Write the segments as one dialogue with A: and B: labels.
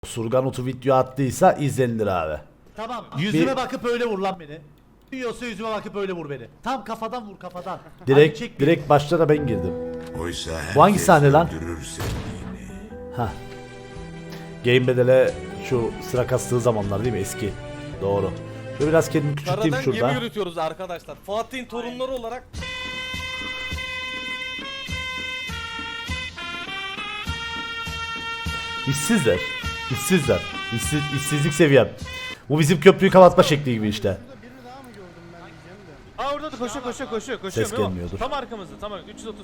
A: Surgan Otu video attıysa izlenilir abi.
B: Tamam. Yüzüme bakıp öyle vur lan beni. Yiyorsa yüzüme bakıp öyle vur beni. Tam kafadan vur kafadan. Hadi çek beni.
A: Direkt başta da ben girdim.
C: Oysa
A: Bu hangi
C: herkes
A: sahne lan?
C: öldürür sevdiğini.
A: Ha. Game Bedel'e şu sıra kastığı zamanlar değil mi eski? Doğru. Şöyle biraz kendimi küçülteyim
D: Karadan gemi
A: şurada.
D: yürütüyoruz arkadaşlar. Fatih'in torunları olarak.
A: İşsizler. İşsizler. İşsizlik seviyem. Bu bizim köprüyü kapatma şekli gibi işte.
D: Aa orada da koşuyor.
A: Ses
D: Memo.
A: gelmiyordur.
D: Tam arkamızda tamam 330.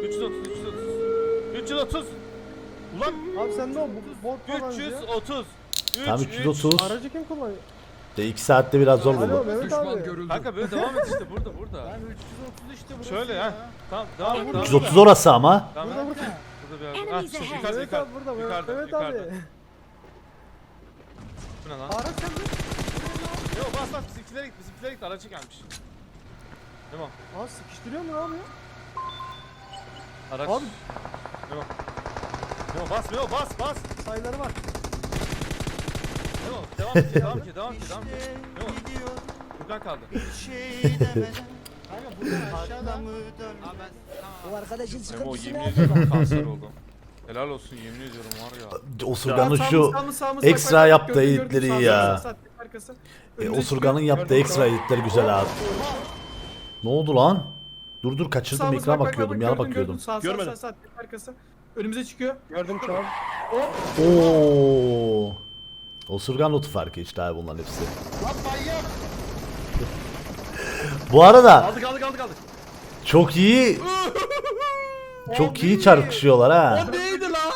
D: 330. Ulan
E: Abi sen ne o bot falan diyor.
D: 330.
A: Tam 330.
E: Aracı kim kullanıyor?
A: De 2 saatte biraz zor
E: Alo
A: buldum.
E: Mehmet abi.
D: Kanka böyle devam et işte burada.
B: Ben 330 işte burası.
D: Şöyle
B: ya.
D: ha. Tamam devam et.
A: 330 orası ama.
D: Tamam.
E: Burada.
D: Burada bir yerde. Ha yukarıda
E: Mehmet abi burada. Mehmet abi.
D: Bu ne lan?
E: Araç sende.
D: Yok bas bizimkilere git aracı gelmiş. Tamam.
E: Aa sıkıştırıyor mu abi ya?
D: Araç.
E: Abi.
D: Memo bas.
E: Sayıları var.
D: Memo devam et. Memo. Furkan kaldı.
B: Kanka buradan aşağıdan.
F: O arkadaşın
D: Memo
F: sıkıntısı
D: yemin
F: ne?
D: ediyorum kanser oldum. Helal olsun yemin ediyorum var ya.
A: Osurgan'ın şu ekstra yaptığı editleri iyi ya. Osurgan'ın yaptığı ekstra editleri güzel abi. Ne oldu lan? Dur kaçırdım, ekrana bakıyordum, yana bakıyordum.
E: Görmedim. Sağ arkası. Önümüze çıkıyor. Gördüm şu an.
A: Oo. Osurgan Otu farkı işte abi bunların hepsi. Bu arada
D: Aldık.
A: çok iyi çarpışıyorlar ha.
D: Neydi lan?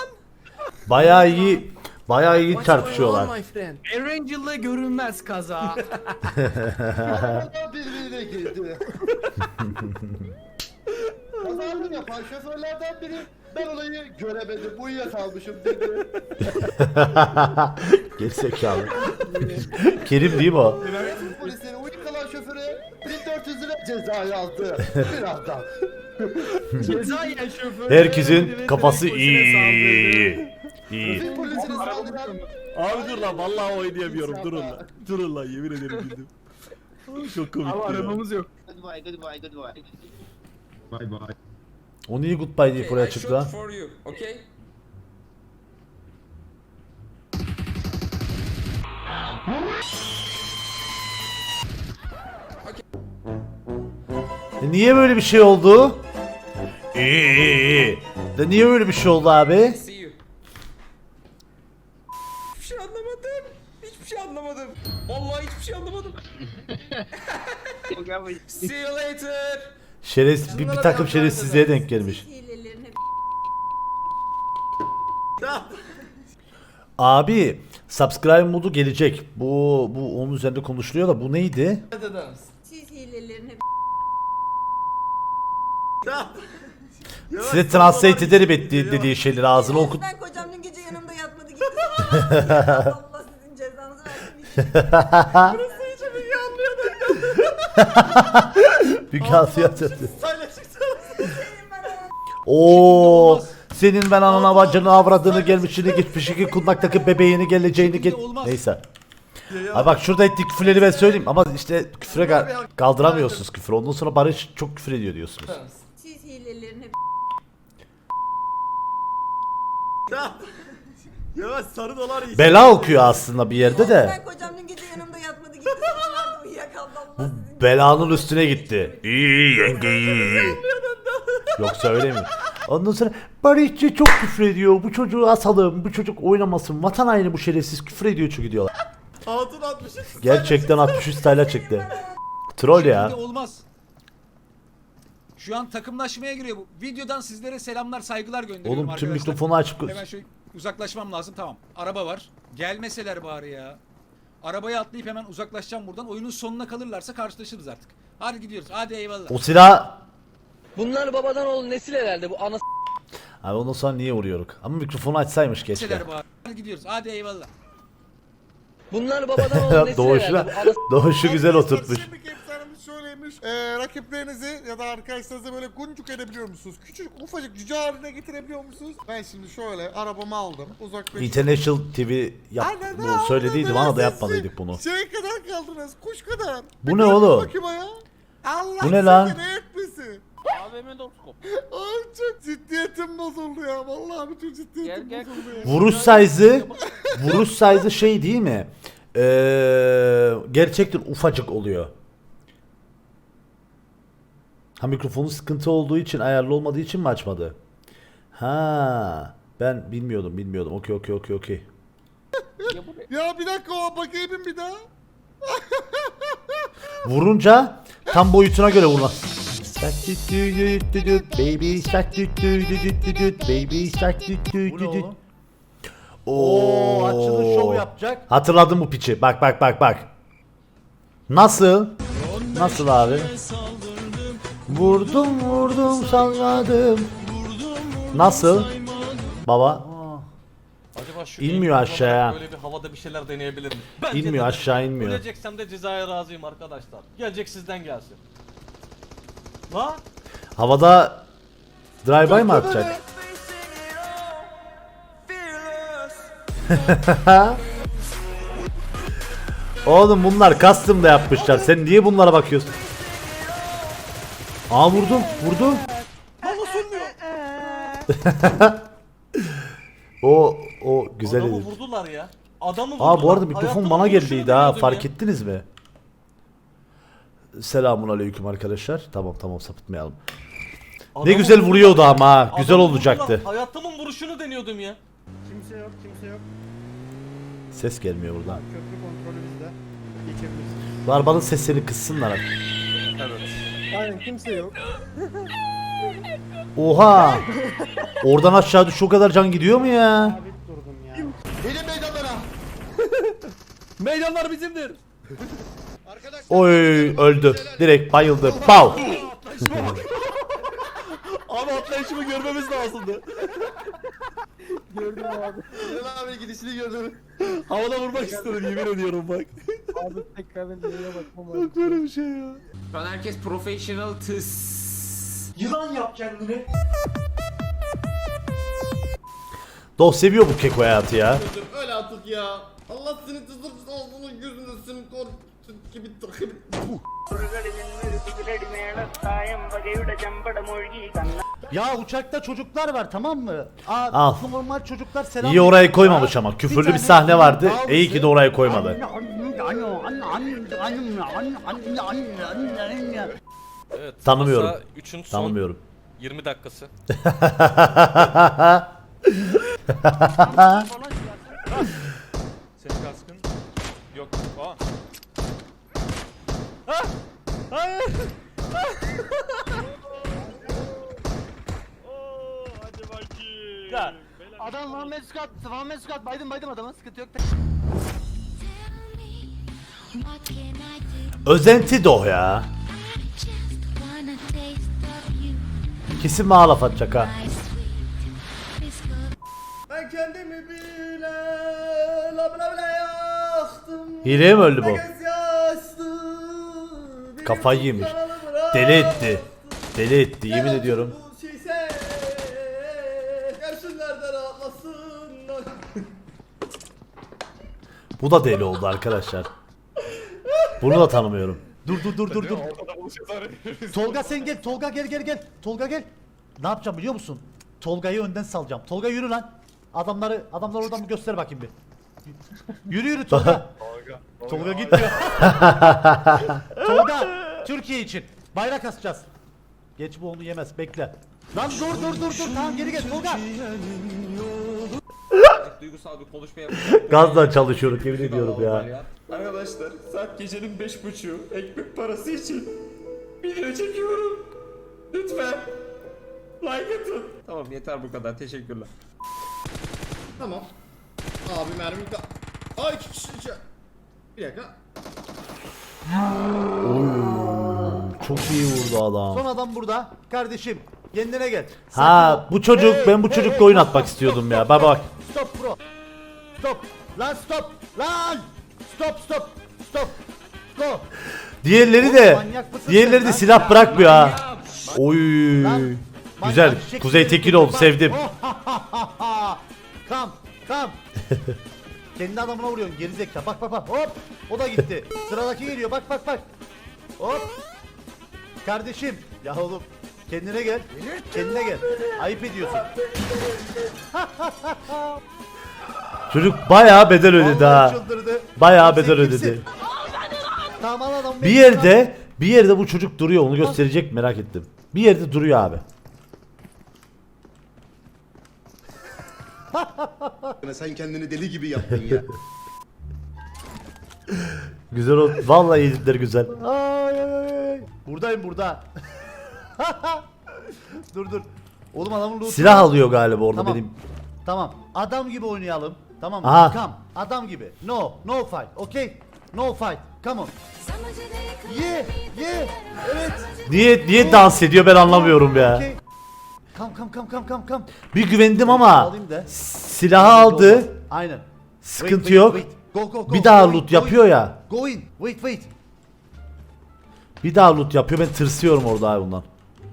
A: Bayağı iyi çarpışıyorlar.
G: Erangel'la görünmez kaza.
B: Arabadan birbirine girdi. Kazandım yapan şoförlerden biri ben olayı göremedim uyuyakalmışım dedi.
A: Gerizekalı. Kerim değil mi o?
B: Trafik polisleri uyuyakalan şoföre 1400 lira ceza yazdı. Birazdan.
G: Ceza yiyen şoför.
A: Herkesin kafası iyi.
B: Trafik polisine saldıran
H: Abi dur lan vallahi oynayamıyorum durun lan. Durun lan yemin ederim güldüm. Çok komik
E: Ama
H: ya.
E: arabamız yok.
A: O niye goodbye deyip oraya çıktı lan?
I: for you, okay?
A: Niye böyle bir şey oldu? İyi. De niye böyle bir şey oldu abi?
I: See you. Hiçbir şey anlamadım. Hiçbir şey anlamadım. Vallahi hiçbir şey anlamadım. See you later.
A: Bir takım şerefsizliğe denk gelmiş. Abi subscribe modu gelecek. Bu onun üzerinde konuşuluyor da bu neydi?
F: Siz hilelerini
A: Size translate ederim dediği şeyleri ağzına okut.
F: Ben kocam dün gece yanımda yatmadı gitti. Allah sizin cezanızı versin.
A: Müge Anlı. Oo, senin ben anana bacını avradını gelmişini geçmişini kundaktaki bebeğini geleceğini neyse. Abi bak şurada ettik küfürleri ben söyleyeyim ama işte küfüre kaldıramıyorsunuz küfür. Ondan sonra Barış çok küfür ediyor diyorsunuz.
F: Siz hilelerini
H: Ya sarı dolar iyi.
A: Bela okuyor aslında bir yerde de.
F: Ben kocam dün gece yanımda yatmadı gitti. Sabahlarda uyuyakaldı. Allah sizin
A: Belanın üstüne gitti. İyi yenge iyi. Yoksa öyle mi? Ondan sonra Barışçı çok küfür ediyor. Bu çocuğu asalım. Bu çocuk oynamasın. Vatan haini bu şerefsiz küfür ediyor çünkü diyorlar.
H: Hatun 60.
A: Gerçekten 63 style'a çıktı. Troll ya.
G: Olmaz. Şu an takımlaşmaya giriyor bu. Videodan sizlere selamlar, saygılar gönderiyorum
A: Oğlum tüm
G: arkadaşlar.
A: mikrofonu açıp
G: Hemen şöyle uzaklaşmam lazım. Tamam. Araba var. Gelmeseler bari ya. Arabaya atlayıp hemen uzaklaşacağım buradan. Oyunun sonuna kalırlarsa karşılaşırız artık. Hadi gidiyoruz. Hadi eyvallah.
A: o silah.
I: Bunlar babadan oğul nesil herhalde bu ana
A: Abi ondan sonra niye vuruyoruz? Ama mikrofonu açsaymış keşke.
G: Gelmeseler bari. Hadi gidiyoruz. Hadi eyvallah.
I: Bunlar babadan oğul nesil
A: Doğuşu,
I: herhalde bu ana
A: doğuşu güzel oturtmuş.
J: şöyleymiş. Rakiplerinizi ya da arkadaşlarınızı böyle guncuk edebiliyor musunuz? Küçük ufacık cüce haline getirebiliyor musunuz? Ben şimdi şöyle arabamı aldım. Uzaklaştım.
A: International TV bunu söylediydim ama da yapmalıydık bunu.
J: Şey kadar kaldınız, kuş kadar.
A: Bu ne oğlum?
J: Bakayım ya. Allah
A: Bu ne lan?
J: seni ne etmesin.
I: AVM Doskop.
J: Ay çok ciddiyetim bozuldu ya. Vallahi bütün ciddiyetim
I: Gel.
J: bozuldu ya.
A: Vuruş size'ı şey değil mi? Gerçekten ufacık oluyor. Ha, mikrofonu sıkıntı olduğu için, ayarlı olmadığı için mi açmadı? Ha, ben bilmiyordum. Okey.
J: Ya bir dakika, o bakayım bir daha.
A: Vurunca tam boyutuna göre vurma. Baby shark baby shark.
B: Bu ne oğlum?
A: Oo,
B: Açılış şov yapacak.
A: Hatırladım bu piçi. Bak. Nasıl abi? Vurdum salladım. Nasıl? Baba
H: Acaba şu
A: İnmiyor
H: eğitim
A: aşağıya.
H: olarak böyle bir havada bir şeyler deneyebilir mi? Bence
A: inmiyor,
H: de.
A: aşağı inmiyor.
H: Öleceksem de cezaya razıyım arkadaşlar. Gelecek sizden gelsin. La?
A: Havada drive-by mı atacak? Oğlum bunlar custom da yapmışlar. Sen niye bunlara bakıyorsun? Aa, vurdum. o güzel
H: Adamı
A: edit.
H: vurdular ya. Adamı vurdular.
A: Aa, bu arada mikrofon
H: Hayatımın
A: bana
H: vuruşunu
A: geldiydi ha.
H: deniyordum
A: Fark
H: ya.
A: ettiniz mi? Selamun aleyküm arkadaşlar. Tamam sapıtmayalım. Ne
H: Adamı
A: güzel
H: vurdular
A: vuruyordu
H: ya.
A: ama. Güzel
H: Adamı
A: olacaktı.
H: vurdular. Hayatımın vuruşunu deniyordum ya.
E: Kimse yok.
A: Ses gelmiyor buradan.
E: Köprü kontrolü bizde. Geçebiliriz.
A: Bu arabanın sesini kıssınlar artık.
E: Aynen kimse yok.
A: Oha! Oradan aşağı düş, o kadar can gidiyor mu ya?
E: Sabit durdum ya.
J: Gelin meydanlara.
H: Meydanlar bizimdir.
A: Oy, öldü. Direkt bayıldı. Pow!
H: Abi atlayışımı görmemiz lazımdı.
E: Gördüm abi.
J: Gelin abi gidişini gördüm.
H: Havada vurmak istedim yemin ediyorum bak.
E: Abi tekrardan nereye bakmam lazım.
H: Böyle bir şey ya.
I: Şu an herkes professional tıs.
A: Doh seviyor bu keko hayatı ya.
J: Öyle artık ya. Allah seni tızdırsın, ağzını yüzünü seni korkutsun gibi takip.
B: Ya uçakta çocuklar var, tamam mı?
A: Al.
B: Normal çocuklar selam.
A: İyi orayı koymamış ama. Küfürlü bir sahne vardı. İyi ki de orayı koymadı.
H: Evet.
A: Tanımıyorum.
H: masa 3'ün son
A: Tanımıyorum.
H: 20 dakikası.
D: Senin kaskın yok. Aa.
E: Adam Muhammed Scott, baydım adama, sıkıntı yok.
A: Özenti Doh ya. Kesin bana laf atacak ha.
J: Ben kendimi bile yaktım.
A: Hileye mi öldü bu?
J: Yaşlı,
A: Kafayı yemiş. Deli etti. Deli etti, yemin ediyorum.
J: Bu şeyse, gelsinler de rahatlasınlar.
A: Bu da deli oldu arkadaşlar. Bunu da tanımıyorum.
B: Dur. Tolga sen gel. Tolga gel. Tolga gel. Ne yapacağım biliyor musun? Tolga'yı önden salacağım. Tolga yürü lan. Adamlar oradan bir göster bakayım bir. Yürü Tolga. Tolga gitmiyor. Tolga Türkiye için bayrak asacağız. Geç, bu onu yemez, bekle. Lan dur tamam, geri gel Tolga.
I: Duygusal bir konuşma yapacağım.
A: Gazla çalışıyorum, yemin ediyorum ya.
I: Arkadaşlar saat gecenin 5.30'u ekmek parası için video çekiyorum. Lütfen like atın. Tamam yeter bu kadar, teşekkürler.
J: Tamam. Abi mermi Ay, iki kişi içe. Bir dakika.
A: Çok iyi vurdu adam.
B: Son adam burada. Kardeşim kendine gel.
A: Ha, bu çocuk, ben bu çocukla oyun atmak istiyordum ya. Bak.
B: Stop bro. Stop. Lan stop. Lan. Stop. Go.
A: Diğerleri
B: Oğlum
A: de
B: manyak mısın
A: diğerleri
B: sen
A: de
B: lan?
A: silah bırakmıyor ha. Oy.
B: Lan,
A: Güzel.
B: manyak çiçek
A: Kuzey
B: gibi
A: Tekin
B: tutun
A: oldu.
B: bak.
A: Sevdim.
B: Kam kam. Kendi adamına vuruyorsun gerizekalı. Bak bak bak. Hop. O da gitti. Sıradaki geliyor. Bak bak bak. Hop. Kardeşim. Ya oğlum. Kendine gel. Kendine gel. Ayıp ediyorsun.
A: Çocuk bayağı bedel ödedi
B: Vallahi
A: ha.
B: çıldırdı.
A: Bayağı
B: Sen
A: bedel
B: kimsin?
A: ödedi.
B: Tamam adam.
A: Bir yerde bu çocuk duruyor. Onu gösterecek merak ettim. Bir yerde duruyor abi.
C: Sen kendini deli gibi yaptın ya.
A: Güzel oldu. Vallahi editleri güzel.
B: Ay, ay, ay. Buradayım burada. Dur. Oğlum adamın loot'u
A: Silah alıyor galiba orada
B: Tamam.
A: benim.
B: Tamam. Adam gibi oynayalım. Tamam mı?
A: Aha.
B: Come. Adam gibi. No fight. Okay? No fight. Come on. Ye. Evet.
A: Niye dans ediyor ben anlamıyorum ya.
B: Okay. Come.
A: Bir güvendim ama
B: Alayım da.
A: silahı aldı.
B: Aynen.
A: Sıkıntı yok.
B: Go.
A: Bir daha
B: Go in,
A: loot
B: go
A: yapıyor
B: in.
A: ya.
B: Go in. Wait.
A: Bir daha loot yapıyor. Ben tırsıyorum orada abi bundan.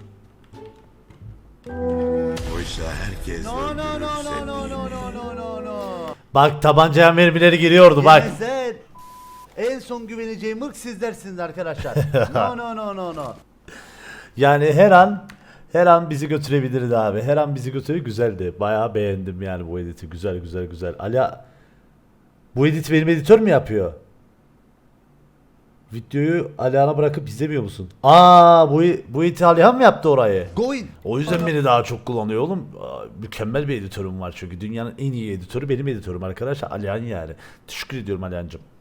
C: Oysa herkes
B: No.
A: Bak tabancaya mermileri giriyordu bak.
B: Yemezler. En son güveneceğim ırk sizlersiniz arkadaşlar. No.
A: Yani her an bizi götürebilirdi abi. Her an bizi götürüyor. Güzeldi. Bayağı beğendim yani bu editi. Güzel. Ali bu editi benim editör mü yapıyor? Videoyu Alihan'a bırakıp izlemiyor musun? Bu editi Alihan mı yaptı orayı?
B: Go in.
A: O yüzden beni daha çok kullanıyor oğlum. Mükemmel bir editörüm var çünkü. Dünyanın en iyi editörü benim editörüm arkadaşlar. Alihan yani. Teşekkür ediyorum Alihan'cığım.